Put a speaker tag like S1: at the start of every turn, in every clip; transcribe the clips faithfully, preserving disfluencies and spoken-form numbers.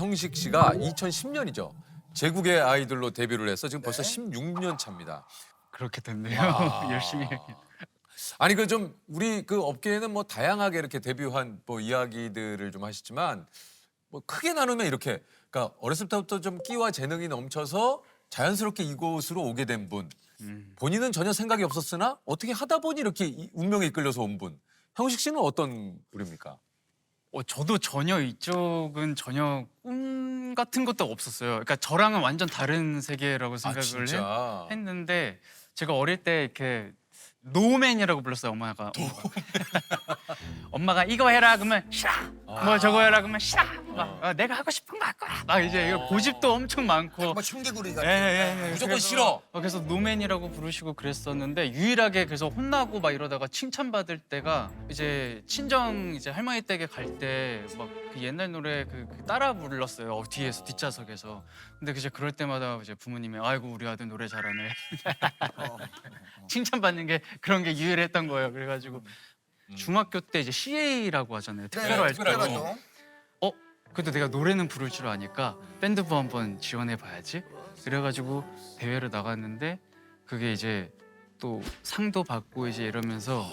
S1: 형식 씨가 이천십 년이죠. 제국의 아이돌로 데뷔를 해서 지금 벌써
S2: 네.
S1: 십육 년 차입니다.
S3: 그렇게 됐네요.
S1: 와.
S3: 열심히.
S1: 아니 그 좀 우리 그 업계에는 뭐 다양하게 이렇게 데뷔한 뭐 이야기들을 좀 하시지만 뭐 크게 나누면 이렇게 그러니까 어렸을 때부터 좀 끼와 재능이 넘쳐서 자연스럽게 이곳으로 오게 된 분.
S3: 음.
S1: 본인은 전혀 생각이 없었으나 어떻게 하다 보니 이렇게 이- 운명에 이끌려서 온 분. 형식 씨는 어떤 분입니까?
S3: 어, 저도 전혀 이쪽은 전혀 꿈 같은 것도 없었어요. 그러니까 저랑은 완전 다른 세계라고
S1: 아
S3: 생각을
S1: 진짜.
S3: 했, 는데 제가 어릴 때 이렇게 노맨이라고 불렀어요. 엄마가. 엄마가 이거 해라 그러면 싫어. 뭐 저거 해라 그러면 싫어. 막 어, 내가 하고 싶은 거 할 거야. 막 이제 이거 고집도 엄청 많고.
S2: 뭐 청개구리
S3: 예,
S2: 같은.
S3: 예, 예.
S1: 무조건
S3: 그래서-
S1: 싫어.
S3: 어, 그래서 노맨이라고 부르시고 그랬었는데 유일하게 그래서 혼나고 막 이러다가 칭찬받을 때가 이제 친정 이제 할머니 댁에 갈 때 막 그 옛날 노래 그, 그 따라 불렀어요. 어, 뒤에서 뒷좌석에서. 근데 이제 그럴 때마다 이제 부모님이 아이고 우리 아들 노래 잘하네. 칭찬받는 게 그런 게 유일했던 거예요. 그래가지고 중학교 때 이제 씨에이라고 하잖아요. 특별 활동.
S1: 특별 활동.
S2: 활동.
S3: 어? 그래도 내가 노래는 부를 줄 아니까 밴드부 한번 지원해 봐야지. 그래가지고 대회를 나갔는데 그게 이제 또 상도 받고 이제 이러면서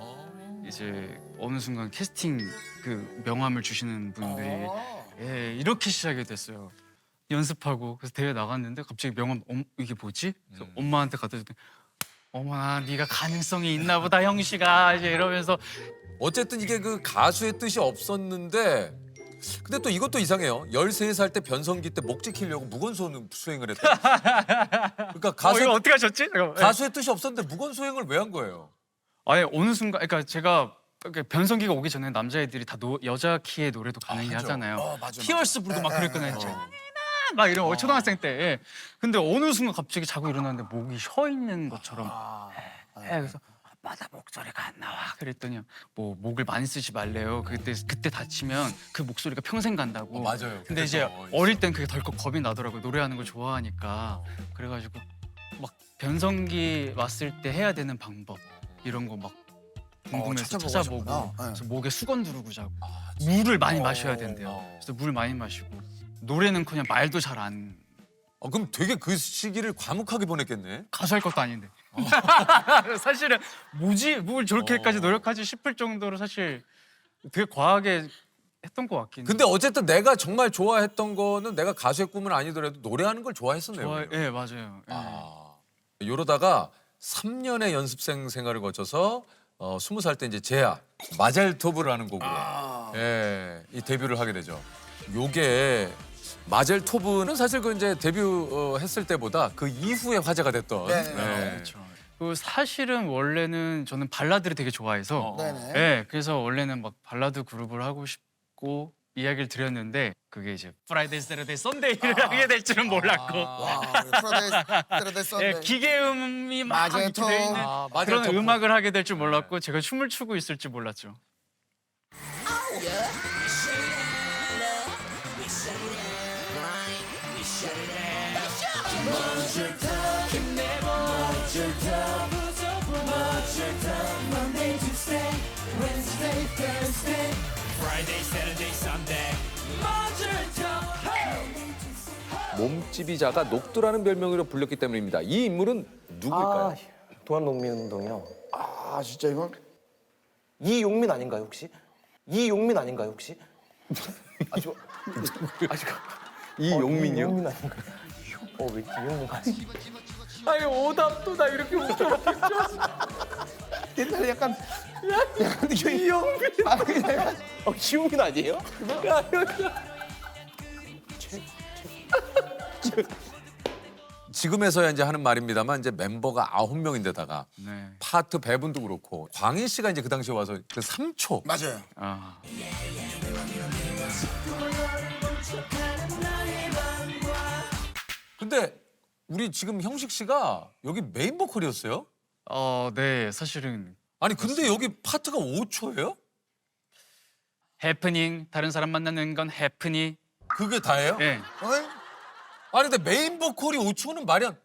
S3: 이제 어느 순간 캐스팅 그 명함을 주시는 분들이
S2: 어.
S3: 예, 이렇게 시작이 됐어요. 연습하고 그래서 대회 나갔는데 갑자기 명함 엄, 이게 뭐지? 그래서
S1: 음.
S3: 엄마한테 갖다 줬더니 어머나 네가 가능성이 있나 보다 형씨가 이제 이러면서
S1: 어쨌든 이게 그 가수의 뜻이 없었는데 근데 또 이것도 이상해요. 열세 살 때 변성기 때 목 지키려고 무건 수- 수행을 했다. 그러니까
S3: 어,
S1: 가수,
S3: 이거 어떻게 하셨지? 잠깐만. 예.
S1: 가수의 뜻이 없었는데 무건 수행을 왜 한 거예요?
S3: 아예 어느 순간 그러니까 제가 이렇게 변성기가 오기 전에 남자애들이 다 노, 여자 키의 노래도 가능히
S1: 하죠.
S3: 하잖아요.
S2: 어, 맞아,
S3: 티얼스 부르고 막
S2: 예,
S3: 그랬거든요.
S2: 예,
S3: 장이나 막 이런 어. 초등학생 때. 예. 근데 어느 순간 갑자기 자고 일어났는데 목이 쉬어 있는 것처럼.
S2: 아,
S3: 예, 그래서 아빠 나 목소리가 안 나와. 그랬더니 뭐 목을 많이 쓰지 말래요. 그때 그때 다치면 그 목소리가 평생 간다고.
S1: 어, 맞아요.
S3: 근데 이제
S1: 그래서
S3: 어릴 땐 그게 덜컥 겁이 나더라고요. 노래하는 걸 좋아하니까. 그래가지고 막 변성기 왔을 때 해야 되는 방법 이런 거 막 궁금해서
S2: 찾아보고
S3: 찾아보고
S2: 하셨구나. 네.
S3: 그래서 목에 수건 두르고 자고
S1: 아,
S3: 물을 많이
S2: 어.
S3: 마셔야 된대요.
S1: 어.
S3: 그래서 물 많이 마시고 노래는 그냥 말도 잘 안
S1: 어, 그럼 되게 그 시기를 과묵하게 보냈겠네.
S3: 가수 할 것도 아닌데 사실은 뭐지 뭘 저렇게까지
S1: 어.
S3: 노력하지 싶을 정도로 사실 되게 과하게 했던 것 같긴.
S1: 근데 어쨌든 내가 정말 좋아했던 거는 내가 가수의 꿈은 아니더라도 노래하는 걸 좋아했었네요.
S3: 좋아,
S1: 그러면.
S3: 예 맞아요. 예.
S1: 아, 이러다가 삼 년의 연습생 생활을 거쳐서 어, 스무 살 때 이제 제야 마젤토브라는 곡으로
S2: 아.
S1: 예, 이 데뷔를 하게 되죠. 요게 마젤토브는 사실 그 이제 데뷔했을 때보다 그 이후에 화제가 됐던.
S2: 네.
S1: 예.
S3: 그렇죠. 그 사실은 원래는 저는 발라드를 되게 좋아해서
S1: 어.
S2: 네네.
S3: 네, 그래서 원래는 막 발라드 그룹을 하고 싶고 이야기를 드렸는데 그게 이제 프라이데이, 세러데이, 썬데이를 하게 될 줄은 몰랐고
S2: 와, 우리 프로데이 프로데이
S3: 예,
S2: 썬데이.
S3: 기계음이 막 이렇게
S2: 마제토.
S3: 돼 있는
S1: 아,
S3: 그런
S1: 마젤토브.
S3: 음악을 하게 될 줄 몰랐고 제가 춤을 추고 있을 줄 몰랐죠.
S1: 몸집이자가 녹두라는 별명으로 불렸기 때문입니다. 이 인물은 누구일까요?
S4: 아, 동안농민운동이요.
S2: 아, 진짜 이건
S4: 이용민 아닌가요 혹시? 이용민 아닌가요 혹시? 아, 저, 아, 저,
S1: 이용민이요?
S4: 이용민 아닌가요? 어, 왜 이용민 아니?
S1: 아니 오답도 나 이렇게 웃겨.
S4: 옛날에 약간 약간 이용민 아, 그냥 약간 어, 이용민 아니에요?
S1: 지금에서야 이제 하는 말입니다만 이제 멤버가 아홉 명인데다가
S3: 네.
S1: 파트 배분도 그렇고 광희 씨가 이제 그 당시에 와서 그 삼 초.
S2: 맞아요.
S3: 아,
S1: 근데 우리 지금 형식 씨가 여기 메인 보컬이었어요?
S3: 어, 네, 사실은
S1: 아니 근데 여기 파트가 오 초예요?
S3: 해프닝 다른 사람 만나는 건 해프닝.
S1: 그게 다예요?
S3: 예.
S2: 어이?
S1: 아니 근데 메인 보컬이 오 초는 말이 안.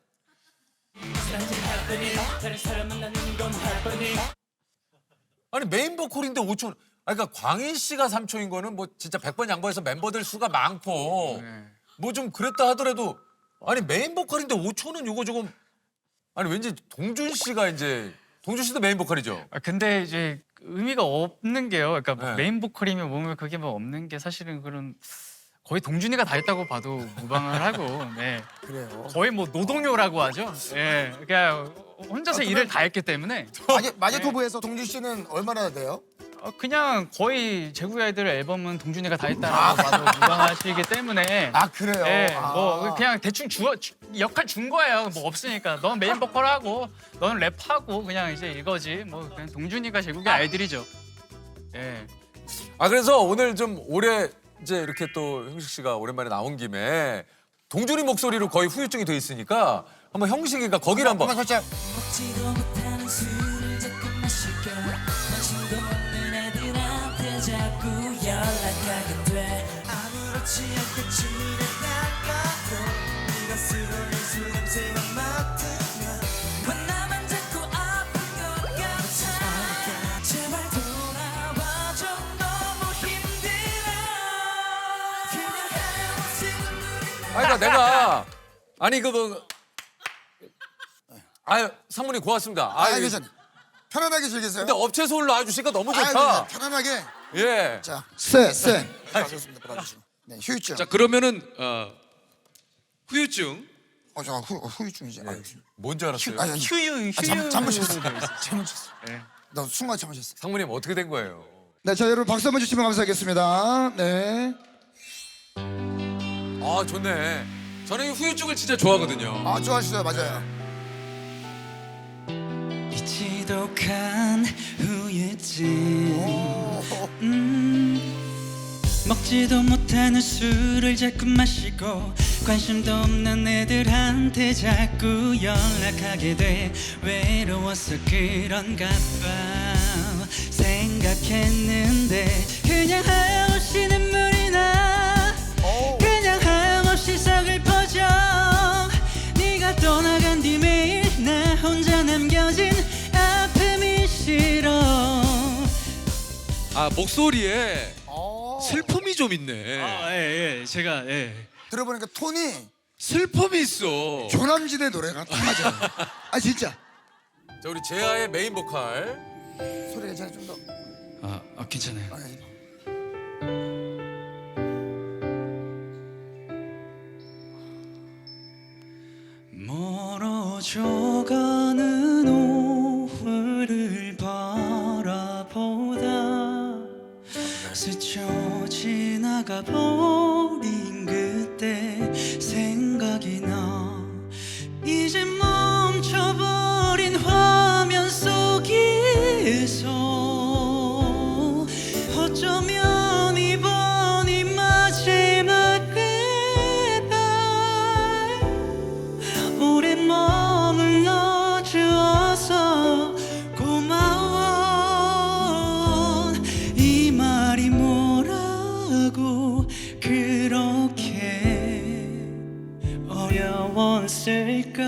S1: 아니 메인 보컬인데 오 초. 아, 그러니까 광희 씨가 삼촌인 거는 뭐 진짜 백 번 양보해서 멤버들 수가 많고
S3: 네.
S1: 뭐 좀 그랬다 하더라도 아니 메인 보컬인데 오 초는 이거 조금 아니 왠지 동준 씨가 이제 동준 씨도 메인 보컬이죠.
S3: 아, 근데 이제 의미가 없는 게요. 그러니까 뭐
S1: 네.
S3: 메인 보컬이면 뭐면 그게 뭐 없는 게 사실은 그런 거의 동준이가 다 했다고 봐도 무방을 하고, 네.
S2: 그래요.
S3: 거의 뭐 노동요라고 하죠. 예, 그러니까 혼자서 일을 다 했기 때문에
S2: 마제 마제토브에서 동준 씨는 얼마나 돼요?
S3: 어, 그냥 거의 제국의 아이들 앨범은 동준이가 다 했다라고 봐도 무방하시기 때문에.
S2: 아 그래요.
S3: 예,
S2: 아.
S3: 뭐 그냥 대충 주, 주 역할 준 거예요. 뭐 없으니까 넌 메인 보컬하고 넌 랩하고 그냥 이제 이거지. 뭐 그냥 동준이가 제국의 아이들이죠. 예.
S1: 아 그래서 오늘 좀 올해 이제 이렇게 또 형식 씨가 오랜만에 나온 김에 동준이 목소리로 거의 후유증이 돼 있으니까 한번 형식이가 거기를 한번
S2: 한번 살짝.
S5: 먹지도 못하는 술을 자꾸 마시고 관심도 없는 애들한테 자꾸 연락하게 돼 아무렇지 않게 지내다가도 네가 쓰러진 술 냄새만 맡으면 왜 나만 자꾸 아픈 것 같아 제발 돌아와줘 너무 힘들어 그냥 헤어지는
S1: 아니 그러니까 내가 아니 그뭐 아유 상무님 고맙습니다.
S2: 아
S1: 아유,
S2: 괜찮아. 편안하게 즐기세요.
S1: 근데 업체에서 올라와주시니까 너무
S2: 아,
S1: 좋다.
S2: 편안하게.
S1: 예.
S2: 자, 쎄, 쎄. 좋습니다. 받아주시고. 네, 휴유증.
S6: 자 그러면은 어, 후유증
S2: 어, 저 후, 후유증이지. 아,
S1: 뭔지 알았어요.
S2: 아니, 아니.
S3: 휴유 휴유.
S2: 아, 잠, 잠으셨어. 잠으셨어.
S3: 네.
S2: 나 순간 잠으셨어.
S1: 상무님 어떻게 된 거예요?
S2: 네, 자 여러분 박수 한번 주시면 감사하겠습니다. 네.
S1: 아 좋네.
S6: 저는 이 후유증을 진짜 좋아하거든요.
S2: 아, 좋아하시죠, 맞아요.
S5: 이 지독한 후유증
S2: 오,
S5: 음, 먹지도 못하는 술을 자꾸 마시고 관심도 없는 애들한테 자꾸 연락하게 돼 외로워서 그런가 봐 생각했는데 그냥 하염없이 눈물이 나 그냥 하염없이 서글퍼져 네가 떠나간 뒤 매일 나 혼자 남겨진 아픔이 싫어
S6: 아 목소리에
S2: 어.
S6: 슬픔이 좀 있네.
S3: 아, 예, 예. 제가 예.
S2: 들어보니까 톤이
S6: 슬픔이 있어.
S2: 조남지대 노래가 딱 맞아요. 아 진짜.
S1: 자 우리 재하의 메인 보컬.
S2: 소리 괜찮아 좀 더.
S3: 아, 아 괜찮아요.
S2: 아, 아니.
S5: 멀어져가는 오후를 바라보다 스쳐 지나가 버린 그때 생각이 나 이제 멈춰버린 화면 속에서 어쩌면 이번이 마지막 오래 머물러 주어서 고마워 이 말이 뭐라고 그렇게 어려웠을까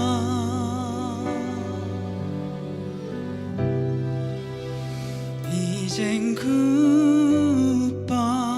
S5: 이젠 굿바이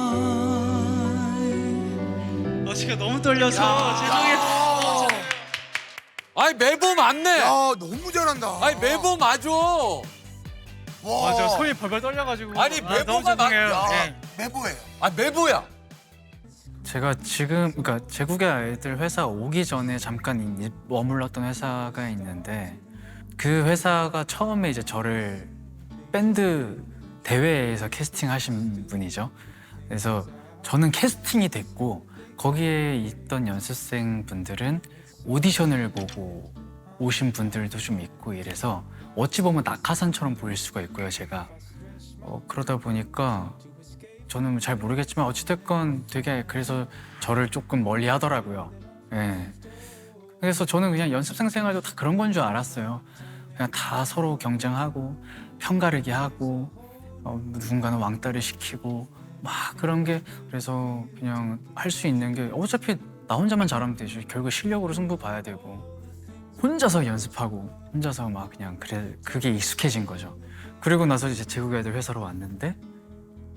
S5: 어 제가 너무 떨려서 죄송해요
S1: 아이 메보 맞네.
S2: 야, 너무 잘한다.
S1: 아이 메보 맞아.
S2: 와.
S3: 맞아, 손이 벌벌 떨려가지고.
S1: 아니,
S3: 아,
S1: 메모가
S3: 너무
S1: 막-
S3: 죄송해요.
S2: 야,
S3: 예.
S2: 메보예요.
S1: 아 메보야.
S3: 제가 지금 그러니까 제국의 아이들 회사 오기 전에 잠깐 이- 머물렀던 회사가 있는데 그 회사가 처음에 이제 저를 밴드 대회에서 캐스팅하신 분이죠. 그래서 저는 캐스팅이 됐고 거기에 있던 연습생 분들은 오디션을 보고 오신 분들도 좀 있고 이래서 어찌 보면 낙하산처럼 보일 수가 있고요, 제가. 어, 그러다 보니까 저는 잘 모르겠지만 어찌됐건 되게 그래서 저를 조금 멀리 하더라고요. 예. 그래서 저는 그냥 연습생 생활도 다 그런 건 줄 알았어요. 그냥 다 서로 경쟁하고 편가르기 하고 어, 누군가는 왕따를 시키고 막 그런 게 그래서 그냥 할 수 있는 게 어차피 나 혼자만 잘하면 되죠. 결국 실력으로 승부 봐야 되고 혼자서 연습하고 혼자서 막 그냥 그래 그게 익숙해진 거죠. 그리고 나서 이제 제국의 아이들 회사로 왔는데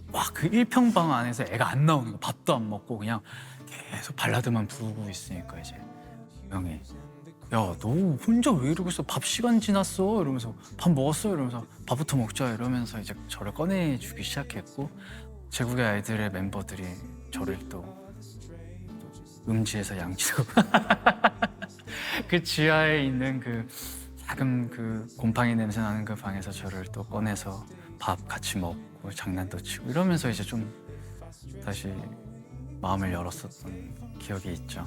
S3: 막 그 일평방 안에서 애가 안 나오는 거, 밥도 안 먹고 그냥 계속 발라드만 부르고 있으니까 이제 형이 야, 너 혼자 왜 이러고 있어? 밥 시간 지났어? 이러면서 밥 먹었어? 이러면서 밥부터 먹자 이러면서 이제 저를 꺼내주기 시작했고 제국의 아이들의 멤버들이 저를 또 음지에서 양치고 그 지하에 있는 그 작은 그 곰팡이 냄새 나는 그 방에서 저를 또 꺼내서 밥 같이 먹고 장난도 치고 이러면서 이제 좀 다시 마음을 열었었던 기억이 있죠.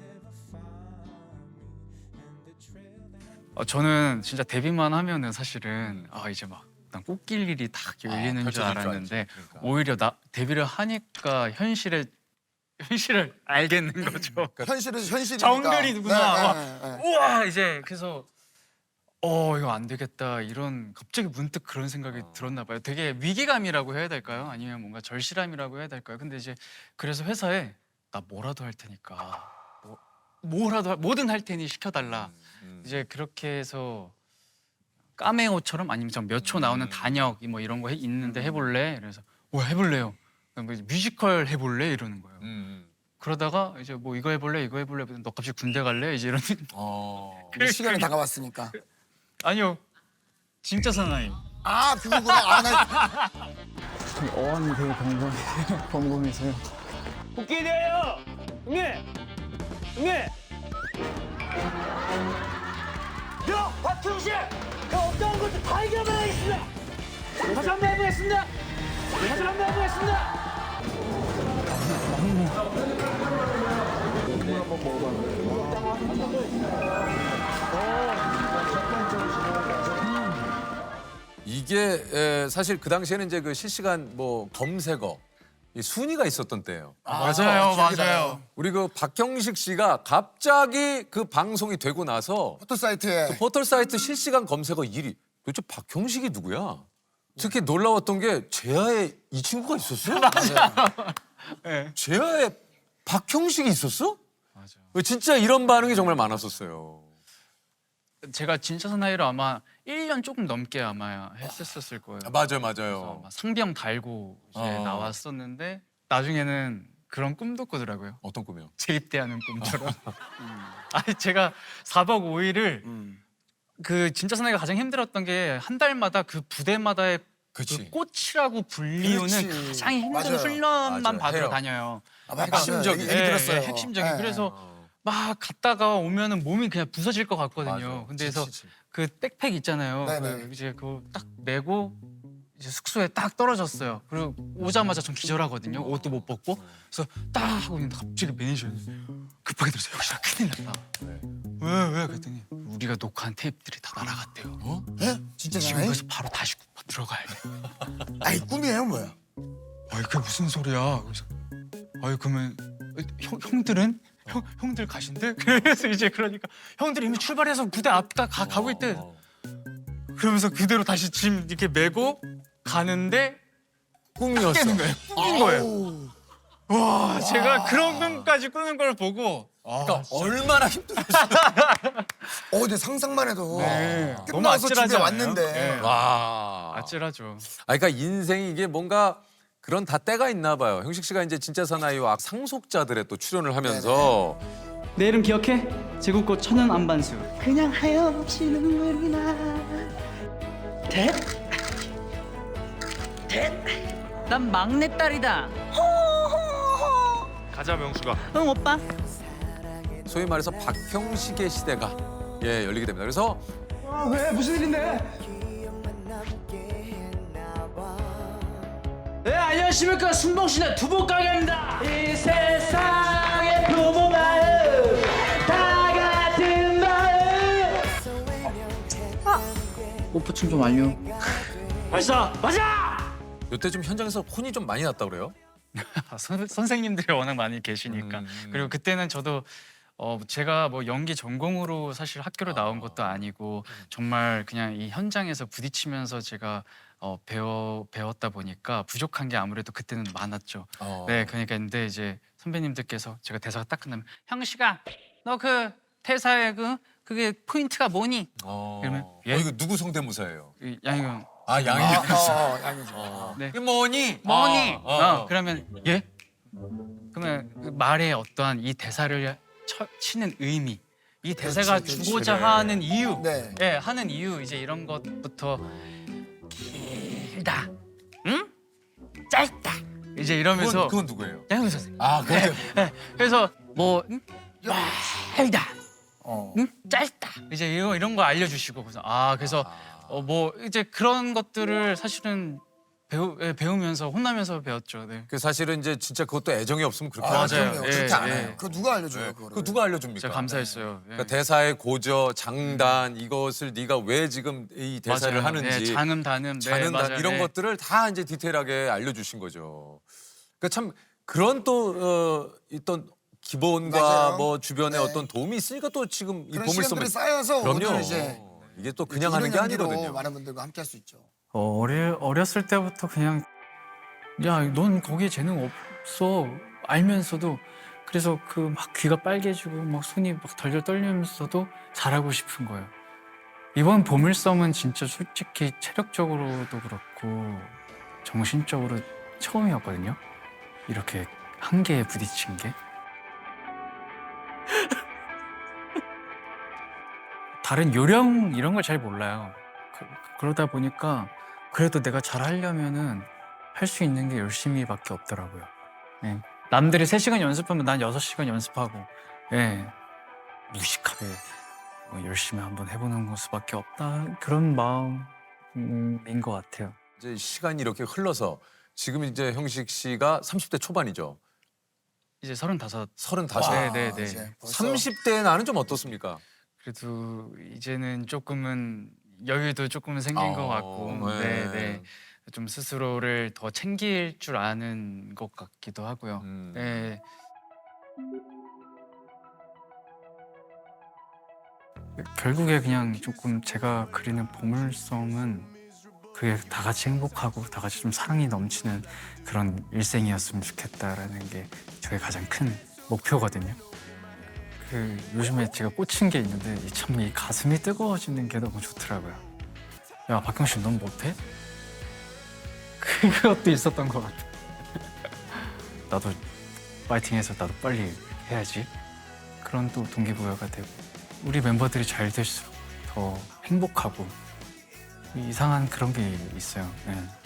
S3: 어, 저는 진짜 데뷔만 하면은 사실은 아 이제 막 난 꽃길 일이 딱 열리는 줄
S1: 펼쳐질 줄
S3: 알았는데
S1: 알지. 그러니까.
S3: 오히려 나 데뷔를 하니까 현실에 현실을 알겠는 거죠.
S2: 현실은 현실이니까.
S3: 정글이 누구나
S2: 네, 네, 네, 네.
S3: 우와 이제 그래서 어 이거 안 되겠다 이런 갑자기 문득 그런 생각이 들었나 봐요. 되게 위기감이라고 해야 될까요? 아니면 뭔가 절실함이라고 해야 될까요? 근데 이제 그래서 회사에 나 뭐라도 할 테니까 뭐 뭐라도 할- 뭐든 할 테니 시켜달라.
S1: 음.
S3: 이제 그렇게 해서 까메오처럼 아니면 몇 초 나오는 단역 뭐 이런 거 해- 있는데 해볼래? 그래서 뭐 해볼래요. 뭐 뮤지컬 해볼래? 이러는 거예요.
S1: 음.
S3: 그러다가 이제 뭐 이거 해볼래? 이거 해볼래? 너 갑자기 군대 갈래? 이제 이런
S1: 어.
S2: 이제 시간이 다가왔으니까.
S3: 아니요 진짜 사나이.
S2: 아 그거구나. 아, 나
S3: 어안이 되게 범범 범범해서요.
S7: 웃기네요. 응애, 응애. 야, 박형식, 야 어떤 것도 다 이겨내겠습니다. 다시 한번 해보겠습니다. 다시 한번 해보겠습니다.
S1: 이게 에, 사실 그 당시에는 이제 그 실시간 뭐 검색어 이 순위가 있었던 때예요.
S3: 맞아요, 맞아요.
S1: 우리 그 박형식 씨가 갑자기 그 방송이 되고 나서
S2: 포토 사이트에
S1: 포털 사이트 실시간 검색어 일 위. 도대체 박형식이 누구야? 특히 놀라웠던 게 제아에 이 친구가 있었어?
S3: 네.
S1: 제아에 박형식이 있었어?
S3: 맞아.
S1: 진짜 이런 반응이 정말 많았었어요.
S3: 제가 진짜 사나이로 아마 일 년 조금 넘게 아마 했었을 거예요.
S1: 아, 맞아요,
S3: 그래서
S1: 맞아요.
S3: 아마 상병 달고 이제
S1: 어.
S3: 나왔었는데 나중에는 그런 꿈도 꾸더라고요.
S1: 어떤 꿈이요?
S3: 재입대하는 꿈처럼. 아니 제가 사 박 오 일을 그 진짜 사나이가 가장 힘들었던 게 한 달마다 그 부대마다의
S1: 그치.
S3: 그 꽃이라고 불리우는
S2: 그렇지.
S3: 가장 힘든
S2: 맞아요.
S3: 훈련만
S1: 맞아요.
S3: 받으러
S1: 해요.
S3: 다녀요.
S2: 아,
S3: 그러니까
S2: 핵심적인 얘기
S3: 예,
S2: 들었어요.
S3: 예, 핵심적인.
S2: 예.
S3: 그래서
S1: 어.
S3: 막 갔다가 오면은 몸이 그냥 부서질 것 같거든요.
S1: 맞아.
S3: 근데 그래서
S1: 지치지.
S3: 그 백팩 있잖아요.
S2: 네네.
S3: 그 이제 그거 딱 메고 이제 숙소에 딱 떨어졌어요. 그리고 오자마자 전 기절하거든요. 옷도 못 벗고. 그래서 딱 하고 있는데 갑자기 매니저가 급하게 들어서 여기서 큰일 났다.
S1: 네.
S3: 왜 왜? 그랬더니 우리가 녹화한 테이프들이 다 날아갔대요.
S1: 어?
S2: 예? 진짜
S3: 지금
S2: 사나이?
S3: 그래서 바로 다시 들어가야 돼.
S2: 아이 꿈이에요 뭐야?
S3: 아이 그게 무슨 소리야? 그래서 아이 그러면 형 형들은 형 형들 가신대? 그래서 이제 그러니까 형들이 이미 출발해서 부대 앞 가, 가 가고 있대.
S1: 어.
S3: 그러면서 그대로 다시 짐 이렇게 메고 가는데
S1: 꿈이었어.
S3: 깨는 거예요. 꿈인 거예요.
S2: 아우.
S3: 와 제가 그런 꿈까지 꾸는 걸 보고 아,
S1: 그러니까 얼마나 힘들었어.
S2: 어 근데 상상만 해도
S3: 네. 너무
S2: 끝나서 집에
S3: 아찔하잖아요.
S2: 왔는데
S3: 네.
S1: 와.
S3: 아찔하죠.
S1: 아, 그러니까 인생이 이게 뭔가 그런 다 때가 있나 봐요. 형식 씨가 이제 진짜 사나이와 상속자들의 또 출연을 하면서
S5: 내 이름 기억해? 제국꽃 천연 안반수.
S7: 그냥 하염없이 눈물이 나. 대?
S8: 난 막내딸이다.
S7: 가자 명수가.
S8: 응 오빠.
S1: 소위 말해서 박형식의 시대가 예 열리게 됩니다. 그래서
S7: 왜 무슨 일인데? 네 안녕하십니까 순봉신의 두부 가게입니다. 이 세상의 부모 마음 다 같은 마음.
S3: 오프춤 좀 완료.
S7: 맞아 맞아.
S1: 이때 좀 현장에서 혼이 좀 많이 났다 그래요?
S3: 아, 선, 선생님들이 워낙 많이 계시니까.
S1: 음.
S3: 그리고 그때는 저도 어 제가 뭐 연기 전공으로 사실 학교를 나온 것도 아니고 정말 그냥 이 현장에서 부딪히면서 제가 어 배워 배웠다 보니까 부족한 게 아무래도 그때는 많았죠.
S1: 어.
S3: 네, 그러니까 근데 이제 선배님들께서 제가 대사가 딱 끝나면 형식아, 너 그 대사의 그 그게 포인트가 뭐니?
S1: 어.
S3: 그러면 예?
S1: 어, 이거 누구 성대모사예요?
S3: 이 양희경
S1: 아 양이
S2: 아, 어, 어, 양이죠.
S3: 네.
S1: 이게 뭐니?
S3: 뭐니?
S1: 어,
S3: 어,
S1: 어.
S3: 그러면 예? 그러면 그 말에 어떠한 이 대사를 쳐, 치는 의미, 이 대사가
S2: 그렇지.
S3: 주고자 하는 이유,
S2: 네.
S3: 예, 하는 이유 이제 이런 것부터 길다, 응? 짧다, 이제 이러면서
S1: 그건, 그건 누구예요?
S3: 양현 선생님.
S1: 아 그건
S3: 예, 그래서 뭐 응? 길다,
S2: 어.
S3: 응? 짧다, 이제 이런 이런 거 알려주시고 그래서 아 그래서 어, 뭐 이제 그런 것들을 사실은 배우 예, 배우면서 혼나면서 배웠죠. 네.
S1: 그 사실은 이제 진짜 그것도 애정이 없으면 그렇게
S2: 아,
S1: 하죠.
S3: 맞아요.
S2: 그럼요.
S3: 예,
S2: 그렇게 안
S3: 예.
S2: 해요. 그거 누가 알려줘요,
S1: 네.
S2: 그거를.
S1: 그거 누가 알려줍니까?
S3: 진짜 감사했어요. 예.
S1: 그러니까 대사의 고저, 장단 이것을 네가 왜 지금 이 대사를
S3: 맞아요.
S1: 하는지
S3: 네, 장음 단음, 네,
S1: 자는
S3: 맞아요.
S1: 단 이런
S3: 네.
S1: 것들을 다 이제 디테일하게 알려주신 거죠. 그러니까 참 그런 또 어, 있던 기본과
S2: 맞아요.
S1: 뭐 주변에
S2: 네.
S1: 어떤 도움이 있으니까 또 지금 이
S2: 그런
S1: 보물섬을
S2: 시간들이 쌓여서
S1: 그럼요.
S2: 오늘 이제
S1: 이게 또 그냥 하는 게
S2: 이런 연기로
S1: 아니거든요.
S2: 많은 분들과 함께 할 수 있죠.
S3: 어, 어려, 어렸을 때부터 그냥 야, 넌 거기에 재능 없어 알면서도 그래서 그 막 귀가 빨개지고 막 손이 막 덜덜 떨리면서도 잘하고 싶은 거예요. 이번 보물섬은 진짜 솔직히 체력적으로도 그렇고 정신적으로 처음이었거든요. 이렇게 한계에 부딪힌 게. 다른 요령 이런 걸 잘 몰라요. 그, 그러다 보니까 그래도 내가 잘 하려면은 할 수 있는 게 열심히밖에 없더라고요. 예. 남들이 세 시간 연습하면 난 여섯 시간 연습하고, 예. 무식하게 뭐 열심히 한번 해보는 수밖에 없다. 그런 마음인 것 같아요.
S1: 이제 시간이 이렇게 흘러서 지금 이제 형식 씨가 삼십 대 초반이죠.
S3: 이제 서른다섯.
S1: 서른다섯.
S3: 네, 네, 네.
S2: 이제 벌써
S1: 삼십 대 나는 좀 어떻습니까?
S3: 그래도 이제는 조금은 여유도 조금은 생긴
S1: 어,
S3: 것 같고,
S1: 네.
S3: 네, 네. 좀 스스로를 더 챙길 줄 아는 것 같기도 하고요.
S1: 음.
S3: 네. 결국에 그냥 조금 제가 그리는 보물섬은 그게 다 같이 행복하고 다 같이 좀 사랑이 넘치는 그런 일생이었으면 좋겠다라는 게 저의 가장 큰 목표거든요. 그 요즘에 제가 꽂힌 게 있는데 참 이 가슴이 뜨거워지는 게 너무 좋더라고요. 야 박형식 넌 못해? 그것도 있었던 것 같아. 나도 파이팅해서 나도 빨리 해야지. 그런 또 동기부여가 되고 우리 멤버들이 잘 될수록 더 행복하고 이상한 그런 게 있어요. 네.